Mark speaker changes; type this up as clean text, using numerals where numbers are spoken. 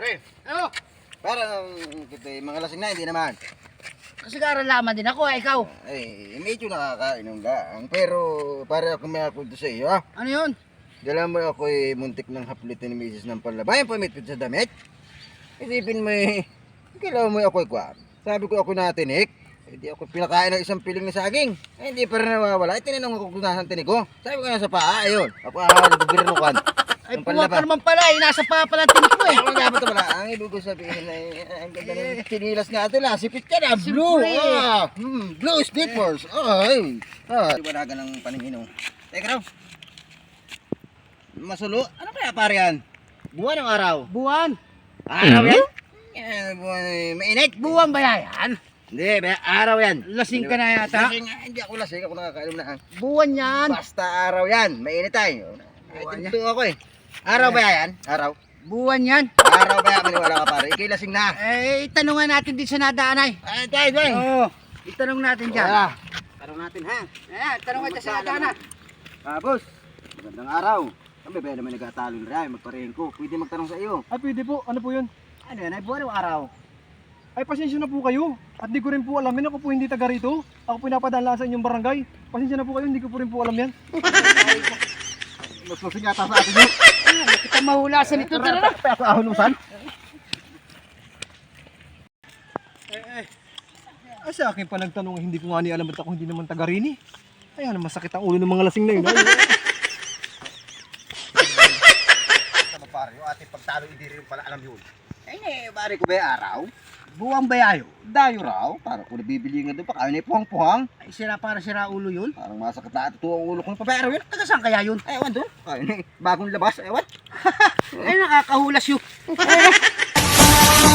Speaker 1: Pre,
Speaker 2: Ano?
Speaker 1: parang kita mga lasing na, hindi naman.
Speaker 2: Kasi karalaman din ako, ikaw.
Speaker 1: Ay, medyo nakakainom lang. Pero para ako may akunto sa iyo, ha?
Speaker 2: Ano yun?
Speaker 1: Dala mo ako muntik ng haplitin ni Mrs. ng palabayan, pamitpit sa damit. Isipin mo kailangan mo ako ikwan. Sabi ko ako natinik. Hindi ako pinakain ng isang piling na saging. Hindi pa rin nawawala. Tinanong ako kung nasaan tinik ko. Sabi ko nasa paa, ayun. Ako nagbibirin mo kwan.
Speaker 2: Ay, puwag ka naman pala eh. Nasa pala tinik mo eh.
Speaker 1: Ang dapat wala. Ang ibig ko sabihin ay ang ganda ng sinilas natin ha. Sipit ka na. Blue.
Speaker 2: Siyempre.
Speaker 1: Blue slippers. Ay. Iwanagan ng paningin. Teka raw. Masulo. Ano kaya pare yan? Buwan ng araw.
Speaker 2: Buwan.
Speaker 1: Araw yan? Yan, buwan. Mainit.
Speaker 2: Buwan ba yan?
Speaker 1: Hindi, araw yan.
Speaker 2: Lasing ka na yata.
Speaker 1: Lasing, hindi ako lasing. Ako nakakainom na.
Speaker 2: Buwan yan.
Speaker 1: Basta araw yan. Mainit tayo.
Speaker 2: Buwan
Speaker 1: Ito ako eh. Araw ba yan? Araw?
Speaker 2: Buwan yan.
Speaker 1: Araw ba yan? Maniwala ka pare. Ikay lasing na.
Speaker 2: Eh, itanungan natin din sa nadaan ay.
Speaker 1: Ay, tayo.
Speaker 2: Oo. Itanong natin dyan.
Speaker 1: Wala. Tanong natin ha.
Speaker 2: Ayan, tanong natin sa nadaan.
Speaker 1: Boss, magandang araw. Kami ba naman nagkatalo na rin, magparehin ko. Pwede magtanong sa iyo.
Speaker 3: Ay, pwede po. Ano po yun?
Speaker 1: Ano yan, ay buwan ng araw.
Speaker 3: Ay, pasensya na po kayo. At di ko rin po alamin. Ako po hindi taga rito. Ako po napadala sa inyong barangay. Pasensya na po kayo. Hindi ko po rin po alam yan.
Speaker 1: Mas lasing yata sa atin yun.
Speaker 2: Kita mahulasan ito. Tara na.
Speaker 1: Kaya ako ahunusan.
Speaker 3: Ay, sa akin pa nagtanong, hindi ko nga ni alam at ako hindi naman taga rin eh. Ay, ano, masakit ang ulo ng mga lasing na yun. Ay,
Speaker 1: Tama pare, yung ating pagtalo, hindi rin pala alam yun. Ay, pare ko ba yung araw? Buwang bayayo. Dayo raw. Parang kung nabibili nga doon pa, kaya na puhang-puhang.
Speaker 2: Ay, sira para sira ulo yun.
Speaker 1: Parang masakit na ito ang ulo ko ng pabayaro yun.
Speaker 2: Taga saan kaya yun?
Speaker 1: Ewan doon. Kaya na bagong labas. Ewan.
Speaker 2: Ay, nakakahulas yun.